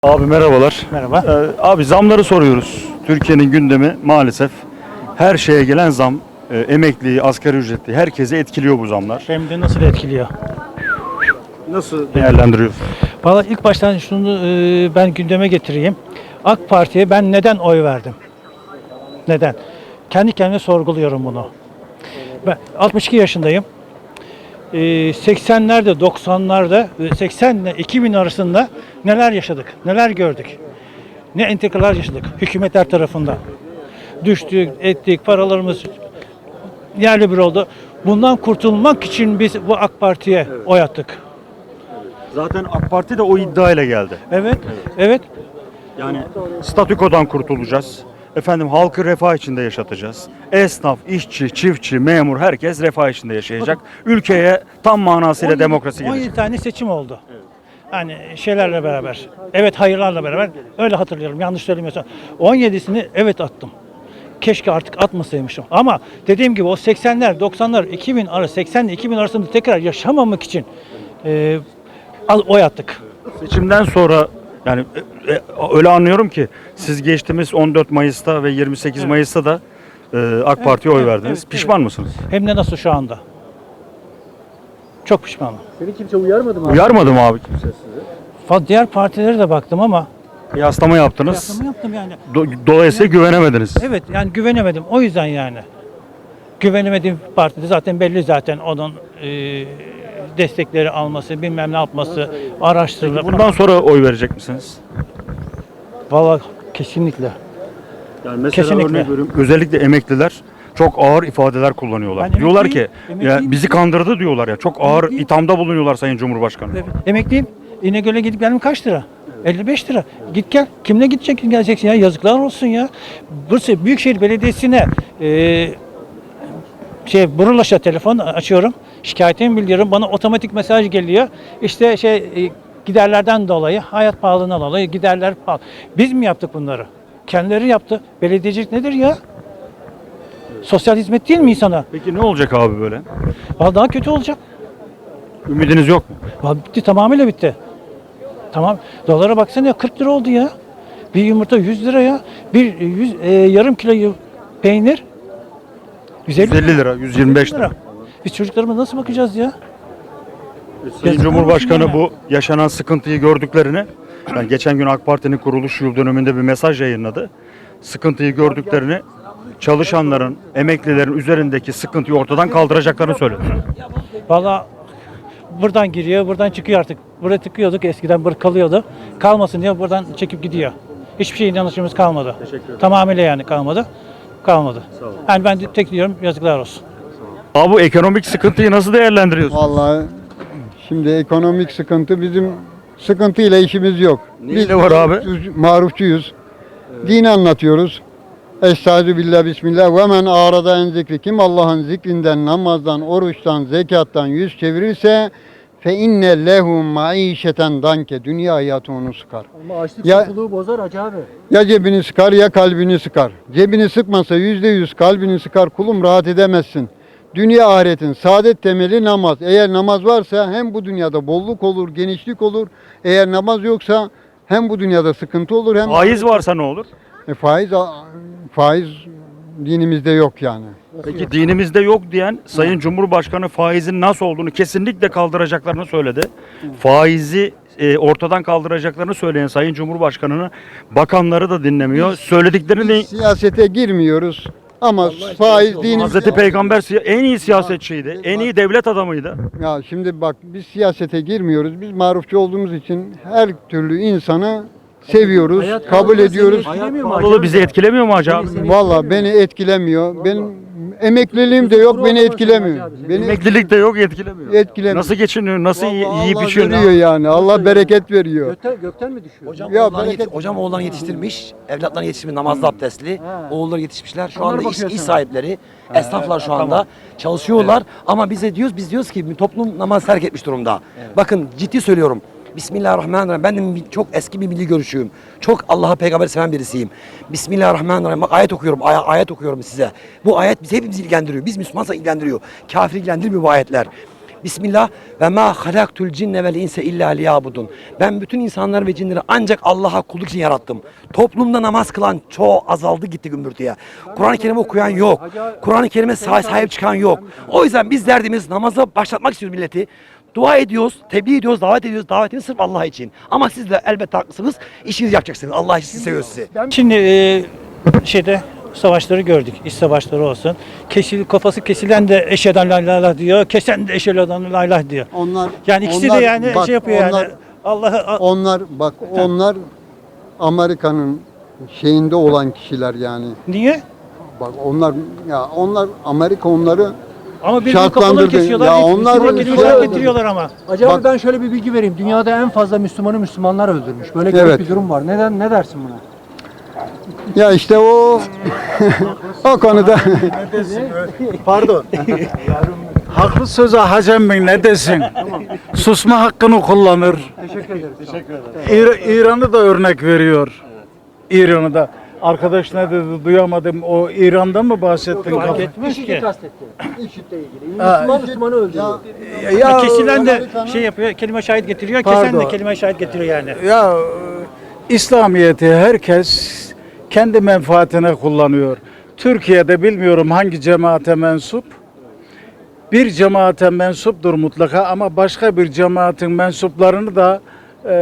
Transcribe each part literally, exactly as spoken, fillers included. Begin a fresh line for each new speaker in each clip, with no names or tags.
Abi merhabalar.
Merhaba.
Ee, abi zamları soruyoruz. Türkiye'nin gündemi maalesef her şeye gelen zam, e, emekliyi, asgari ücretli herkese etkiliyor bu zamlar.
Hem de nasıl etkiliyor?
Nasıl değerlendiriyorsun?
Valla ilk baştan şunu e, ben gündeme getireyim. AK Parti'ye ben neden oy verdim? Neden? Kendi kendime sorguluyorum bunu. Ben altmış iki yaşındayım. E, seksenlerde, doksanlarda, e, seksen ile iki bin arasında neler yaşadık, neler gördük. Ne entrikalar yaşadık hükümetler tarafından. Düştük, ettik, paralarımız yerli bir oldu. Bundan kurtulmak için biz bu AK Parti'ye oy attık.
Zaten AK Parti de o iddiayla geldi.
Evet, evet.
Yani statükodan kurtulacağız. Efendim halkı refah içinde yaşatacağız. Esnaf, işçi, çiftçi, memur herkes refah içinde yaşayacak. Ülkeye tam manasıyla demokrasi
on yedi
gelecek.
tane seçim oldu. Hani şeylerle beraber. Evet, hayırlarla beraber. Öyle hatırlıyorum. Yanlış söylemiyorsam. on yedisini evet attım. Keşke artık atmasaymışım. Ama dediğim gibi o seksenler, doksanlar, iki bin arası, seksen ile iki bin arasında tekrar yaşamamak için e, al- oy attık.
Seçimden sonra yani e, e, öyle anlıyorum ki siz geçtiğimiz on dört Mayıs'ta ve yirmi sekiz Mayıs'ta da e, AK Parti'ye oy
evet,
verdiniz.
evet,
Pişman
evet.
mısınız?
Hem de nasıl şu anda. Çok pişmanım.
Seni kimse uyarmadı mı abi?
Uyarmadı mı abi kimse sizi?
Fa- Diğer partilere de baktım ama
Kıyaslama yaptınız.
kıyaslama yaptım yani.
Do- dolayısıyla güvenemediniz.
Evet, yani güvenemedim. O yüzden yani. Güvenemediğim partide zaten belli zaten onun e, destekleri alması, bilmem ne yapması, araştırılır.
Bundan sonra oy verecek misiniz?
Vallahi kesinlikle.
Yani mesela
Kesinlikle.
örnek veriyorum, özellikle emekliler çok ağır ifadeler kullanıyorlar.
Ben
diyorlar ki
emekliyim,
ya
emekliyim.
bizi kandırdı diyorlar ya. Çok ağır
Emekliyim.
ithamda bulunuyorlar Sayın Cumhurbaşkanı.
Evet. Emekliyim. İnegöl'e gidip geldim kaç lira? elli beş lira. Git gel. Kimle gideceksin geleceksin ya? Yazıklar olsun ya. Bursa Büyükşehir Belediyesi'ne e, şey Burulaş'a telefon açıyorum. Şikayetimi bildiriyorum. Bana otomatik mesaj geliyor. İşte şey e, giderlerden dolayı, hayat pahalılığından dolayı giderler pahalı. Biz mi yaptık bunları? Kendileri yaptı. Belediyecilik nedir ya? Sosyal hizmet değil mi insana?
Peki ne olacak abi böyle?
Vallahi daha kötü olacak.
Ümidiniz yok mu?
Vallahi bitti, tamamıyla bitti. Tamam. Dolara baksana ya, kırk lira oldu ya. Bir yumurta yüz lira ya. Bir yüz, e, yarım kilo yu- peynir yüz elli,
yüz elli lira, yüz yirmi beş lira.
Biz çocuklarımıza nasıl bakacağız ya?
Sayın
Yazıklar
Cumhurbaşkanı
olsun
bu yaşanan sıkıntıyı gördüklerini, yani geçen gün AK Parti'nin kuruluş yıl döneminde bir mesaj yayınladı. Sıkıntıyı gördüklerini, çalışanların, emeklilerin üzerindeki sıkıntıyı ortadan kaldıracaklarını söyledi.
Vallahi buradan giriyor, buradan çıkıyor artık. Buraya tıkıyorduk, eskiden burada kalıyordu. Kalmasın diye buradan çekip gidiyor. Hiçbir şey inanışımız kalmadı. Tamamıyla yani kalmadı. Kalmadı. Yani ben de tek diyorum, yazıklar olsun.
Abi bu ekonomik sıkıntıyı nasıl değerlendiriyorsun?
Vallahi şimdi ekonomik sıkıntı bizim sıkıntıyla işimiz yok.
Neyle var abi?
marufçuyuz- Marufçuyuz. Dini anlatıyoruz. Estaizu billah bismillah ve men arada en zikri, kim Allah'ın zikrinden, namazdan, oruçtan, zekattan yüz çevirirse fe inne lehu maişeten danke, dünya hayatı onu sıkar.
Ama açlık
Ya-
susuzluğu bozar Hacı abi.
Ya cebini sıkar ya kalbini sıkar. Cebini sıkmasa yüzde yüz kalbini sıkar, kulum rahat edemezsin. Dünya ahiretin saadet temeli namaz. Eğer namaz varsa hem bu dünyada bolluk olur, genişlik olur. Eğer namaz yoksa hem bu dünyada sıkıntı olur hem
Faiz varsa ne olur?
E, faiz faiz dinimizde yok yani.
Peki dinimizde yok diyen Sayın Cumhurbaşkanı faizin nasıl olduğunu kesinlikle kaldıracaklarını söyledi. Faizi e, ortadan kaldıracaklarını söyleyen Sayın Cumhurbaşkanı'nı bakanları da dinlemiyor. Söylediklerini de
Biz siyasete girmiyoruz ama faiz dinimizde...
Hazreti Peygamber siya- en iyi siyasetçiydi. En iyi devlet adamıydı.
Ya şimdi bak, biz siyasete girmiyoruz. Biz marufçu olduğumuz için her türlü insanı seviyoruz,
Hayat
kabul
pahalılığı
ediyoruz.
seni etkilemiyor mu Hacı
Pahalılığı
abi?
bizi etkilemiyor mu acaba?
Valla beni etkilemiyor. Benim emekliliğim de yok, beni etkilemiyor. Beni
Emeklilik de yok, etkilemiyor.
etkilemiyor.
Nasıl geçiniyor? Nasıl
Vallahi
iyi- yiyip
Allah
içiyor?
veriyor yani. Allah bereket veriyor.
Gökten, gökten mi düşüyor?
Hocam,
Ya
oğullarını
bereket-
yeti- hocam oğullarını yetiştirmiş, evlatlarını yetiştirmiş, namazlı abdestli, oğulları yetişmişler. Şu
Onlara
anda iş,
bakıyorsun
iş
ha.
sahipleri, esnaflar şu anda çalışıyorlar. Ama bize diyoruz, biz diyoruz ki toplum namaz terk etmiş durumda. Bakın ciddi söylüyorum. Bismillahirrahmanirrahim. Ben de bir- çok eski bir milli görüşüyüm. Çok Allah'a peygamber seven birisiyim. Bismillahirrahmanirrahim. Bak ayet okuyorum. ay- ayet okuyorum size. Bu ayet bizi hepimizi ilgilendiriyor. Biz Müslümansa ilgilendiriyor. Kafir ilgilendirmiyor bu ayetler. Bismillah ve ma halaktul cinne vel insa illa liyabudun. Ben bütün insanları ve cinleri ancak Allah'a kulluk için yarattım. Toplumda namaz kılan çoğu azaldı gitti gümbürtüye. Kur'an-ı Kerim okuyan yok. Kur'an-ı Kerim'e sahip, sahip çıkan yok. O yüzden biz derdimiz namaza başlatmak istiyoruz milleti. Dua ediyoruz, tebliğ ediyoruz, davet ediyoruz. Davetimiz sırf Allah için. Ama siz de elbette haklısınız. İşinizi yapacaksınız. Allah için seviyor sizi.
Şimdi e, şeyde savaşları gördük. İç savaşları olsun. Kesil, kafası kesilen de eşeden la ilahe illallah diyor. Kesen de eşeden la ilahe illallah diyor.
Onlar
Yani ikisi
onlar-
de yani
bak,
şey yapıyor
onlar,
yani. Allah'ı
Onlar bak onlar Amerika'nın şeyinde olan kişiler yani.
niye?
Bak onlar ya onlar Amerika onları
Ama birbirinin kafalarını
şartlandırdı.
kesiyorlar.
Ya
Ya
onlar
onlar
bir
kelime
şey-
şahit getiriyorlar ama.
Hacı abi
Bak-
ben şöyle bir bilgi vereyim. Dünyada en fazla Müslümanı Müslümanlar öldürmüş. Böyle garip
Evet.
bir durum var. Neden ne dersin buna?
ya işte o o konuda
Pardon. Haklı söze Hacem Bey ne desin? Susma hakkını kullanır.
Teşekkür ederiz. Teşekkür ederim.
İr- İran'ı da örnek veriyor. İran'ı da. Arkadaş ne dedi duyamadım. O İran'dan mı bahsettin?
Fark etmez
İşi
ki.
kastetti. İşitle ilgili. Müslüman Müslümanı öldürüyor.
Ya,
Kesilen de şey yapıyor, kelime şahit getiriyor. Kesen de
Pardon.
kelime şahit getiriyor yani.
ya e, İslamiyet'i herkes kendi menfaatine kullanıyor. Türkiye'de bilmiyorum hangi cemaate mensup. Bir cemaate mensuptur mutlaka ama başka bir cemaatin mensuplarını da e,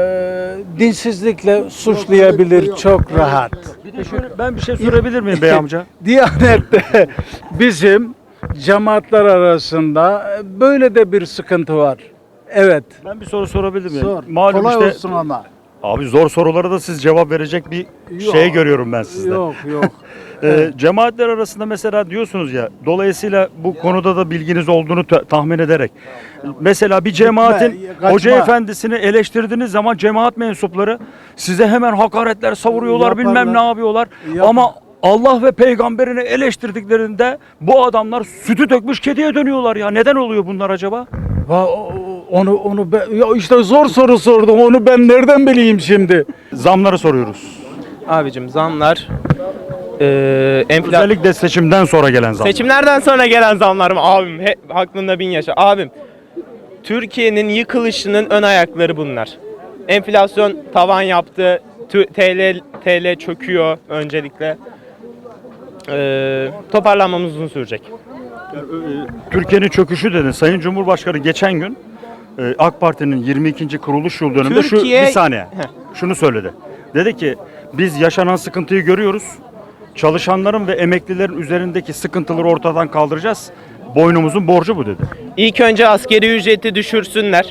dinsizlikle suçlayabilir çok rahat.
Bir de şöyle, ben bir şey sorabilir miyim bey amca?
Diyanet'te bizim cemaatler arasında böyle de bir sıkıntı var. Evet.
Ben bir soru sorabilir miyim?
Sor.
Malum
Kolay
işte
olsun ama.
abi zor sorulara da siz cevap verecek bir
Yok.
şey görüyorum ben sizde.
Yok yok.
Ee, cemaatler arasında mesela diyorsunuz ya, dolayısıyla bu konuda da bilginiz olduğunu ta- tahmin ederek. Mesela bir cemaatin
Gitme, kaçma.
hoca efendisini eleştirdiğiniz zaman cemaat mensupları size hemen hakaretler savuruyorlar,
Yaparlar.
bilmem ne yapıyorlar.
Yap-
Ama Allah ve peygamberini eleştirdiklerinde bu adamlar sütü dökmüş kediye dönüyorlar ya. Neden oluyor bunlar acaba?
Va- o- Onu onu ben, ya işte zor soru sordum. Onu ben nereden bileyim şimdi?
Zamları soruyoruz.
Abicim zamlar eee enfla
Özellikle seçimden sonra gelen zamlar.
seçimlerden sonra gelen zamlar mı abim? He, aklında bin yaşa. Abim Türkiye'nin yıkılışının ön ayakları bunlar. Enflasyon tavan yaptı. Tü- T L T L çöküyor öncelikle. Eee toparlanmamız uzun sürecek.
Türkiye'nin çöküşü dedi. Sayın Cumhurbaşkanı geçen gün e, AK Parti'nin yirmi ikinci kuruluş yıl dönümünde şu
Türkiye-
bir saniye
Heh.
şunu söyledi. Dedi ki biz yaşanan sıkıntıyı görüyoruz. Çalışanların ve emeklilerin üzerindeki sıkıntıları ortadan kaldıracağız. Boynumuzun borcu bu dedi.
İlk önce askeri ücreti düşürsünler.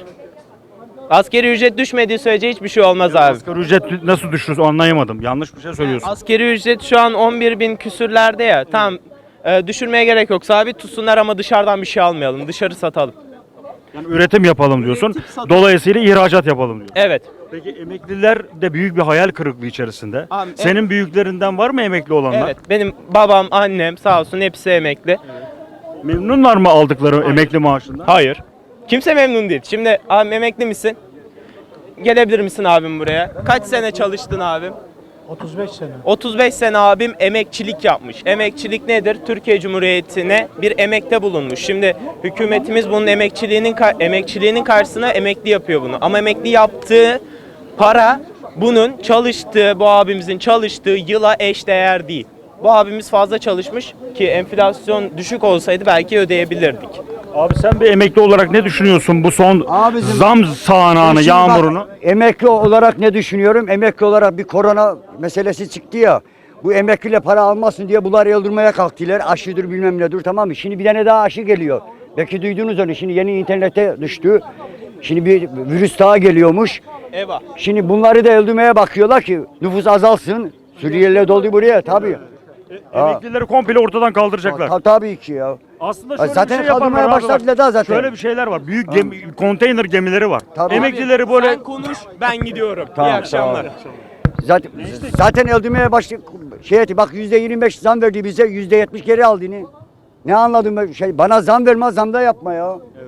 Askeri ücret düşmediği sürece hiçbir şey olmaz abi.
Asgari ücret nasıl düşürüz anlayamadım. Yanlış bir şey söylüyorsun.
Askeri ücret şu an on bir bin küsürlerde ya. Tamam e, düşürmeye gerek yok. Sabit tutsunlar ama dışarıdan bir şey almayalım. Dışarı satalım.
Yani üretim yapalım diyorsun.
Üretim, satın.
Dolayısıyla ihracat yapalım diyor.
Evet.
Peki emekliler de büyük bir hayal kırıklığı içerisinde.
Abi,
Senin büyüklerinden var mı emekli olanlar?
Evet. Benim babam, annem sağ olsun hepsi emekli.
Memnunlar mı aldıkları emekli maaşından?
Hayır. Kimse memnun değil. Şimdi abi emekli misin? Gelebilir misin abim buraya? Kaç sene çalıştın abim?
otuz beş sene.
otuz beş sene abim emekçilik yapmış. Emekçilik nedir? Türkiye Cumhuriyeti'ne bir emekte bulunmuş. Şimdi hükümetimiz bunun emekçiliğinin ka- emekçiliğinin karşısına emekli yapıyor bunu. Ama emekli yaptığı para bunun çalıştığı, bu abimizin çalıştığı yıla eşdeğer değil. Bu abimiz fazla çalışmış ki enflasyon düşük olsaydı belki ödeyebilirdik.
Abi sen bir emekli olarak ne düşünüyorsun bu son
Abicim,
zam sağanağını,
Şimdi bak,
yağmurunu?
emekli olarak ne düşünüyorum? Emekli olarak bir korona meselesi çıktı ya. Bu emekliyle para almasın diye bunları öldürmeye kalktılar. Aşıdır bilmem nedir, tamam mı? Şimdi bir tane daha aşı geliyor. Belki duydunuz onu. Şimdi yeni internete düştü. Şimdi bir virüs daha geliyormuş.
Eyvah.
Şimdi bunları da öldürmeye bakıyorlar ki nüfus azalsın. Suriyeliler doldu buraya tabii.
Emeklileri komple ortadan kaldıracaklar.
Ta- tabii ki ya.
Aslında şöyle
Zaten
bir şey yaparlar
kaldırmaya
abi bak.
başladılar daha zaten.
Şöyle bir şeyler var. Büyük gemi, konteyner gemileri var.
Tabii.
Emeklileri böyle
Sen konuş, ben gidiyorum.
Tamam,
İyi akşamlar.
Zaten zaten öldürmeye başladı. Şey etti, bak yüzde yirmi beş zam verdi bize, yüzde yetmiş geri aldı yine. Ne anladım ben şey? Bana zam verme, zam da yapma ya.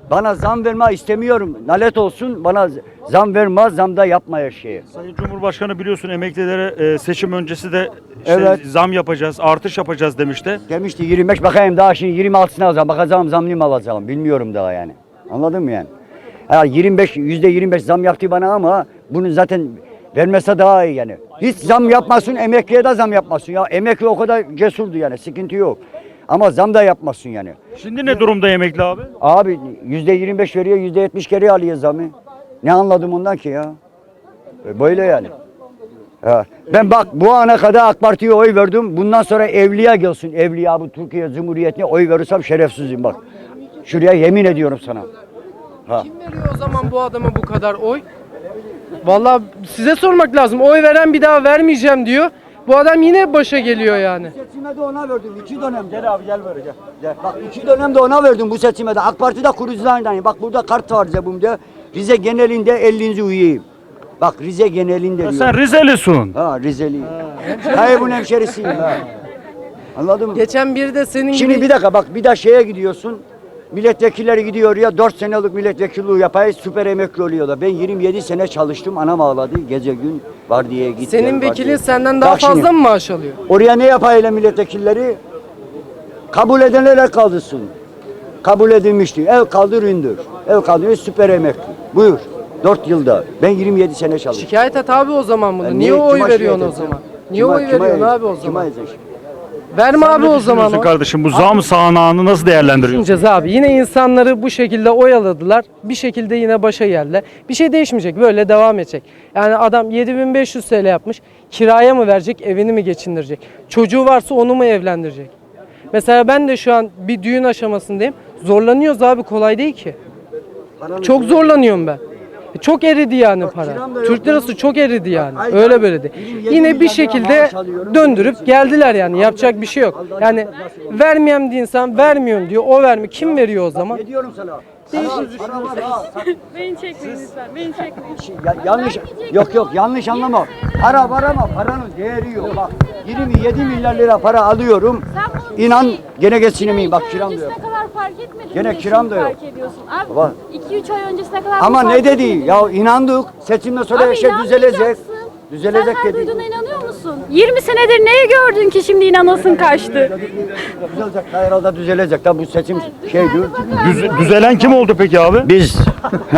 Bana zam verme istemiyorum. Nalet olsun, bana zam verme, zam da yapma her şeye.
Sayın Cumhurbaşkanı biliyorsun emeklilere e, seçim öncesi de işte
Evet.
zam yapacağız, artış yapacağız demişti.
Demişti yirmi beş, bakayım daha şimdi yirmi altısına alacağım. Bakacağım zamlıyım alacağım. Bilmiyorum daha yani. Anladın mı yani? Ha, yirmi beş, yüzde yirmi beş zam yaptı bana ama bunu zaten vermese daha iyi yani. Hiç zam yapmasın, emekliye de zam yapmasın. Ya emekli o kadar cesurdu yani, sıkıntı yok. Ama zam da yapmasın yani.
Şimdi ne durumda emekli abi?
Abi yüzde yirmi beş veriyor, yüzde yetmiş geri alıyor zamı. Ne anladım ondan ki ya? E, Böyle yani. Ha. Ben bak bu ana kadar AK Parti'ye oy verdim. Bundan sonra evliya gelsin. Evliya bu Türkiye Cumhuriyeti'ne oy verirsem şerefsizim bak. Şuraya yemin ediyorum sana. Ha.
Kim veriyor o zaman bu adama bu kadar oy? Vallahi size sormak lazım. Oy veren bir daha vermeyeceğim diyor. Bu adam yine başa geliyor yani.
Seçime de ona verdim. iki dönem. Gel abi gel böyle gel. gel. Bak iki dönem de ona verdim bu seçime de. AK Parti'de kurucularından. Bak burada kart var cebimde. Rize genelinde ellinci üyeyim. Bak Rize genelinde
Ya
diyor.
sen Rizelisun.
Ha Rizeliyim. Hayır bunun hemşerisiyim ha. Anladın mı?
Geçen biri de senin
Şimdi
gibi
bir dakika bak bir de şeye gidiyorsun. Milletvekilleri gidiyor ya dört senelik milletvekilliği yapayım süper emekli oluyorlar. Ben yirmi yedi sene çalıştım anam ağladı gece gün var diye gitti.
senin vekilin senden daha fazla mı maaş alıyor?
Oraya ne yapayla milletvekilleri? Kabul edenlere kaldırsın. Kabul edilmişti. Ev kaldır indir. Ev kaldır süper emekli. Buyur. dört yılda. Ben yirmi yedi sene çalıştım.
Şikayet et abi o zaman bunu.
Ben
Niye
niye-
oy
kime
veriyorsun o
şikayet
zaman?
edeceğim?
Niye
Kime-
oy
kime
veriyorsun
edeceğim?
abi o
Kime
zaman?
edeceğim?
Verme abi
Ne
o zaman.
düşünüyorsun
o.
kardeşim? Bu zam sahnağını nasıl değerlendiriyorsun?
Düşüneceğiz abi. Yine insanları bu şekilde oyaladılar. Bir şekilde yine başa geldiler. Bir şey değişmeyecek. Böyle devam edecek. Yani adam yedi bin beş yüz T L yapmış. Kiraya mı verecek, evini mi geçindirecek? Çocuğu varsa onu mu evlendirecek? Mesela ben de şu an bir düğün aşamasındayım. Zorlanıyoruz abi, kolay değil ki. Çok zorlanıyorum ben. E, Çok eridi yani para.
kiram da yok
Türk lirası çok eridi yani.
Ay,
Öyle
ben
böyle değil.
yirmi yedi
Yine bir
milyar lira
şekilde
maaş alıyorum.
döndürüp geldiler yani. Yapacak bir şey yok. Yani vermeyeyim diye insan vermiyorum diyor. O vermiyor. Kim veriyor o zaman?
Ne diyorum sana?
Değişik.
Para var ha.
Beni çekmeyin lütfen. Beni çekmeyin.
Ya, yanlış yok yok yanlış anlama. Para var ama paranın değeri yok. Bak yirmi yedi milyar lira para alıyorum. İnan gene geçinemeyim. Bak kiram da yok.
Ne kadar fark etmedin.
Gene
mi?
kiram da
Şimdi
yok.
Fark ediyorsun. Abi
Baba.
iki üç ay öncesine kadar
Ama
bu
ne
fark
dedi?
etmedin.
Ya inandık. Seçimden sonra her
Abi
şey düzelecek.
inanmayacaksın.
Düzelecek
Sen her
dedi.
duyduğuna inanıyor musun? yirmi senedir neyi gördün ki şimdi inanasın kaçtı?
Düzelecek. Herhalde düzelecek. Tabi bu seçim şeydi.
Düz- düzelen kim oldu peki abi?
Biz